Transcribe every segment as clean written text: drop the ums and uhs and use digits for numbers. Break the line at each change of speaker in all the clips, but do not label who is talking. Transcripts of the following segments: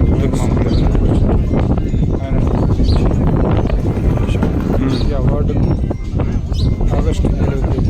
అద్భుతం మామూలుగా.
ఆయన ఈ అవార్డును ఆగస్టు 7వ తేదీ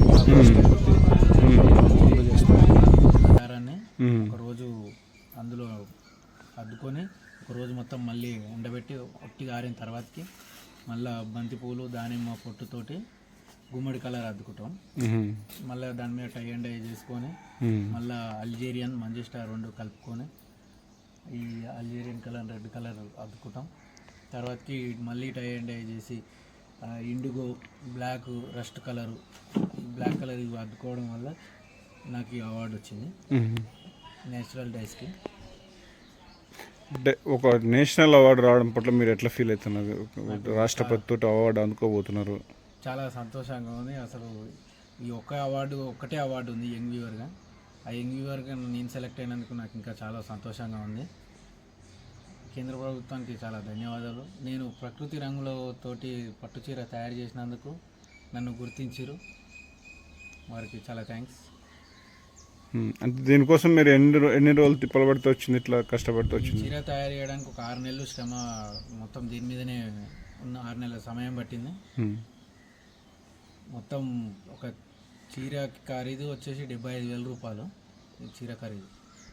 ఆహారాన్ని ఒకరోజు అందులో అద్దుకొని ఒకరోజు మొత్తం మళ్ళీ ఎండబెట్టి ఒట్టిగా ఆరిన తర్వాతకి మళ్ళీ బంతిపూలు దానిమ్మ పొట్టుతోటి గుమ్మడి కలర్ అద్దుకుంటాం. మళ్ళీ దాని మీద టై అండ్ డై చేసుకొని మళ్ళీ అల్జీరియన్ మంజిస్టా 2 కలుపుకొని ఈ అల్జీరియన్ కలర్ రెడ్ కలర్ అద్దుకుంటాం. తర్వాతకి మళ్ళీ టై అండ్ డై చేసి indigo black rust colour black colour ఇవి అద్దుకోవడం వల్ల నాకు ఈ అవార్డు వచ్చింది నేచురల్ డైస్కి.
అంటే ఒక నేషనల్ అవార్డు రావడం పట్ల మీరు ఎట్లా ఫీల్ అవుతున్నారు? రాష్ట్రపతితో అవార్డు అందుకోబోతున్నారు.
చాలా సంతోషంగా ఉంది. అసలు ఈ ఒక్కటే అవార్డు ఉంది యంగ్ వ్యూవర్గా. ఆ యంగ్ వ్యూవర్గా నేను సెలెక్ట్ అయినందుకు నాకు ఇంకా చాలా సంతోషంగా ఉంది. కేంద్ర ప్రభుత్వానికి చాలా ధన్యవాదాలు. నేను ప్రకృతి రంగులతోటి పట్టుచీర తయారు చేసినందుకు నన్ను గుర్తించారు, వారికి చాలా థ్యాంక్స్.
అంటే దీనికోసం మీరు ఎన్ని రోజులు తిప్పలబడితే వచ్చింది, ఇట్లా కష్టపడితే వచ్చింది?
చీర తయారు చేయడానికి ఒక 6 నెలలు శ్రమ, మొత్తం దీని మీదనే ఉన్న 6 నెలల సమయం పట్టింది. మొత్తం ఒక చీర ఖరీదు వచ్చేసి 75,000 రూపాయలు ఈ చీర ఖరీదు.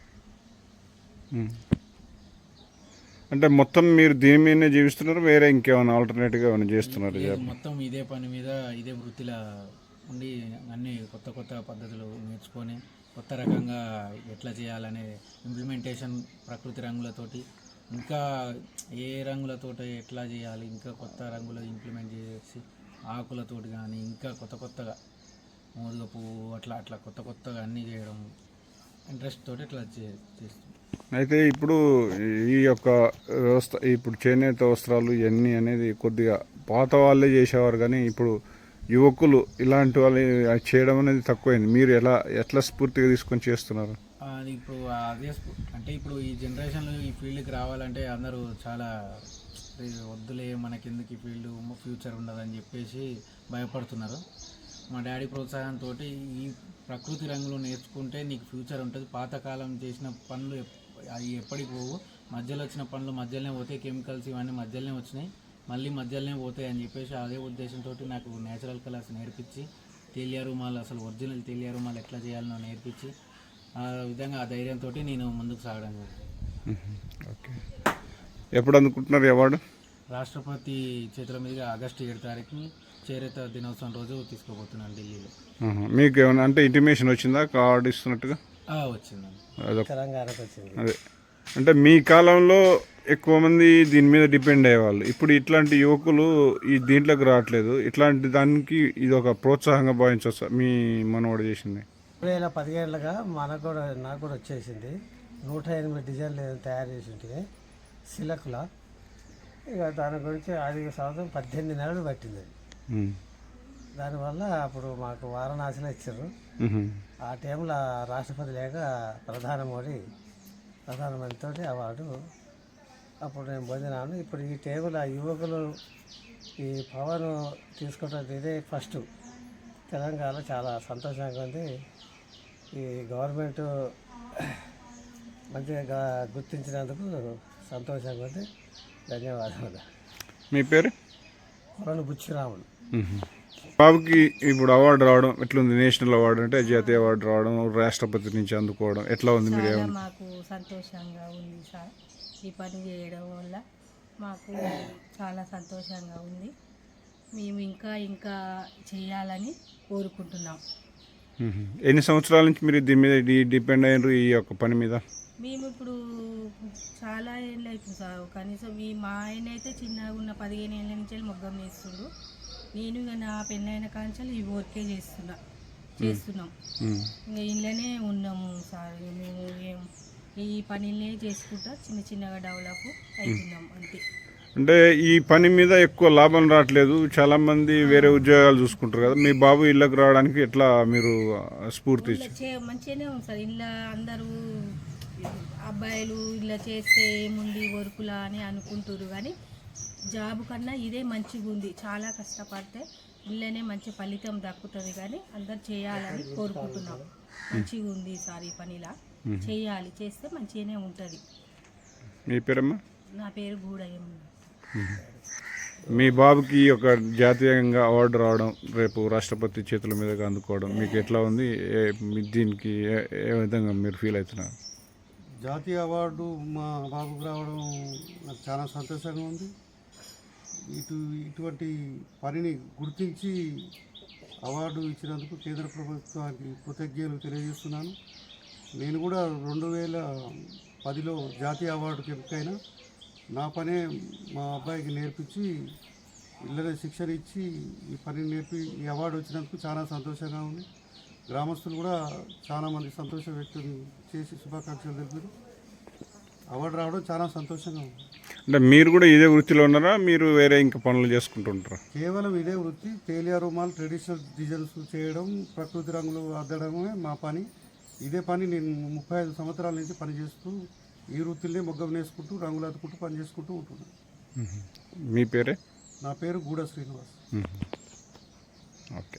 అంటే మొత్తం మీరు దీని మీదనే జీవిస్తున్నారు, వేరే ఇంకేమైనా ఆల్టర్నేటివ్గా ఏమైనా చేస్తున్నారు?
మొత్తం ఇదే పని మీద ఇదే వృత్తిలో ఉండి అన్ని కొత్త కొత్త పద్ధతులు నేర్చుకొని కొత్త రకంగా ఎట్లా చేయాలనే ఇంప్లిమెంటేషన్ ప్రకృతి రంగులతోటి ఇంకా ఏ రంగులతోటి ఎట్లా చేయాలి, ఇంకా కొత్త రంగులు ఇంప్లిమెంట్ చేసి ఆకులతోటి కానీ ఇంకా కొత్త కొత్తగా మోదుగ పువ్వు అట్లా కొత్త కొత్తగా అన్నీ చేయడం ఇంట్రెస్ట్ తోటి ఇట్లా చేస్తాం.
అయితే ఇప్పుడు ఈ యొక్క వ్యవస్థ, ఇప్పుడు చేనేత వస్త్రాలు ఇవన్నీ అనేది కొద్దిగా పాత వాళ్ళే చేసేవారు, కానీ ఇప్పుడు యువకులు ఇలాంటి వాళ్ళు చేయడం అనేది తక్కువైంది. మీరు ఎట్లా స్ఫూర్తిగా తీసుకొని చేస్తున్నారు?
అది ఇప్పుడు అదే అంటే ఇప్పుడు ఈ జనరేషన్లో ఈ ఫీల్డ్కి రావాలంటే అందరూ చాలా వద్దులే మనకెందుకు ఈ ఫీల్డ్, ఫ్యూచర్ ఉండదని చెప్పేసి భయపడుతున్నారు. మా డాడీ ప్రోత్సాహంతో ఈ ప్రకృతి రంగులు నేర్చుకుంటే నీకు ఫ్యూచర్ ఉంటుంది, పాతకాలం చేసిన పనులు అవి ఎప్పటికి పోవు, మధ్యలో వచ్చిన పనులు మధ్యలోనే పోతాయి, కెమికల్స్ ఇవన్నీ మధ్యలోనే వచ్చినాయి, మళ్ళీ మధ్యలోనే పోతాయి అని చెప్పేసి అదే ఉద్దేశంతో నాకు నేచురల్ కలర్స్ నేర్పించి తేలియా రుమాలు, అసలు ఒరిజినల్ తేలియా రుమాలు ఎట్లా చేయాలనో నేర్పించి ఆ విధంగా ఆ ధైర్యంతో నేను ముందుకు సాగడం జరిగింది.
ఓకే, ఎప్పుడు అందుకుంటున్నారు అవార్డు?
రాష్ట్రపతి చేతుల మీదుగా ఆగస్టు 7వ తారీఖుని చేనేత దినోత్సవం రోజు తీసుకోబోతున్నాను ఢిల్లీలో.
మీకు ఏమైనా అంటే ఇంటిమేషన్ వచ్చిందా కార్డు ఇస్తున్నట్టుగా?
వచ్చిందండి.
అదే అంటే మీ కాలంలో ఎక్కువ మంది దీని మీద డిపెండ్ అయ్యేవాళ్ళు, ఇప్పుడు ఇట్లాంటి యువకులు ఈ దీంట్లోకి రావట్లేదు. ఇట్లాంటి దానికి ఇది ఒక ప్రోత్సాహంగా భావించవచ్చు. మీ మనవాడు చేసింది
2017గా నాకు కూడా వచ్చేసింది. 108 డిజైన్లు తయారు చేసి ఉంటుంది సిలకుల. ఇక దాని గురించి 5 సంవత్సరం 18 నెలలు పట్టింది. దానివల్ల అప్పుడు మాకు వారణాసిలో ఇచ్చారు. ఆ టైంలో రాష్ట్రపతి లేక ప్రధానమంత్రితో అవార్డు అప్పుడు నేను పొందినాను. ఇప్పుడు ఈ టేబుల్ ఆ యువకులు ఈ పవర్ తీసుకోవడం ఇదే ఫస్ట్. తెలంగాణ చాలా సంతోషంగా ఉంది. ఈ గవర్నమెంట్ మంచిగా గుర్తించినందుకు సంతోషంగా ఉంది. ధన్యవాదాలు.
మీ పేరు?
కొలను బుచ్చిరాములు.
బాబుకి ఇప్పుడు అవార్డు రావడం ఎట్లుంది? నేషనల్ అవార్డు అంటే జాతీయ అవార్డు రావడం, రాష్ట్రపతి నుంచి అందుకోవడం ఎట్లా ఉంది? మీరు
మాకు సంతోషంగా ఉంది సార్. ఈ పని చేయడం వల్ల మాకు చాలా సంతోషంగా ఉంది. మేము ఇంకా చేయాలని కోరుకుంటున్నాం.
ఎన్ని సంవత్సరాల నుంచి మీరు దీని మీద డిపెండ్ అయ్యారు ఈ యొక్క పని మీద?
మేము ఇప్పుడు చాలా ఏళ్ళు అవుతుంది సార్. కనీసం మా ఆయన అయితే చిన్నగా ఉన్న 15 ఏళ్ళ నుంచి మొగ్గం వేస్తుండు. నేను ఇక నా పెళ్ళైన కాంచాలు ఈ వర్కే చేస్తున్నాం. ఇంకా ఇళ్ళనే ఉన్నాము సార్. మేము ఈ పనినే చేసుకుంటా చిన్నగా డెవలప్ అవుతున్నాం అంతే.
అంటే ఈ పని మీద ఎక్కువ లాభం రావట్లేదు, చాలా మంది వేరే ఉద్యోగాలు చూసుకుంటారు కదా. మీ బాబు ఇళ్ళకి రావడానికి ఎట్లా మీరు స్ఫూర్తి?
మంచిగానే ఉంది సార్. ఇళ్ళ అందరూ అబ్బాయిలు ఇలా చేస్తే ఏముంది వర్కులా అని అనుకుంటారు, కానీ జాబ్ కన్నా ఇదే మంచిగా ఉంది. చాలా కష్టపడితే ఇళ్ళనే మంచి ఫలితం దక్కుతుంది, కానీ అందరు చేయాలని కోరుకుంటున్నాం. మంచిగా ఉంది సార్ ఈ పనిలా చేయాలి, చేస్తే మంచిగానే ఉంటుంది.
మీ పేరమ్మా?
నా పేరు గూడయ్యం.
మీ బాబుకి ఒక జాతీయంగా అవార్డు రావడం, రేపు రాష్ట్రపతి చేతుల మీదుగా అందుకోవడం మీకు ఎట్లా ఉంది? దీనికి ఏ విధంగా మీరు ఫీల్ అవుతున్నారు?
జాతీయ అవార్డు మా బాబుకు రావడం నాకు చాలా సంతోషంగా ఉంది. ఇటువంటి పనిని గుర్తించి అవార్డు ఇచ్చినందుకు కేంద్ర ప్రభుత్వానికి కృతజ్ఞతలు తెలియజేస్తున్నాను. నేను కూడా 2010లో జాతీయ అవార్డుకి ఎంపికైనా నా పనే మా అబ్బాయికి నేర్పించి ఇళ్ళనే శిక్షణ ఇచ్చి ఈ పనిని నేర్పి ఈ అవార్డు వచ్చినందుకు చాలా సంతోషంగా ఉంది. గ్రామస్తులు కూడా చాలామంది సంతోషం వ్యక్తం చేసి శుభాకాంక్షలు తెలిపారు. అవార్డు రావడం చాలా సంతోషంగా ఉంది.
అంటే మీరు కూడా ఇదే వృత్తిలో ఉన్నారా? మీరు వేరే ఇంకా పనులు చేసుకుంటుంటారా?
కేవలం ఇదే వృత్తి. తేలియా రుమాలు, ట్రెడిషనల్ డిజైన్స్ చేయడం, ప్రకృతి రంగులు అద్దడమే మా పని. ఇదే పని నేను 35 సంవత్సరాల నుంచి పనిచేస్తూ ఈ వృత్తిని మొగ్గం వేసుకుంటూ రంగులు అద్దుకుంటూ పని చేసుకుంటూ ఉంటున్నాను.
మీ పేరే?
నా పేరు గూడ శ్రీనివాస్.
ఓకే.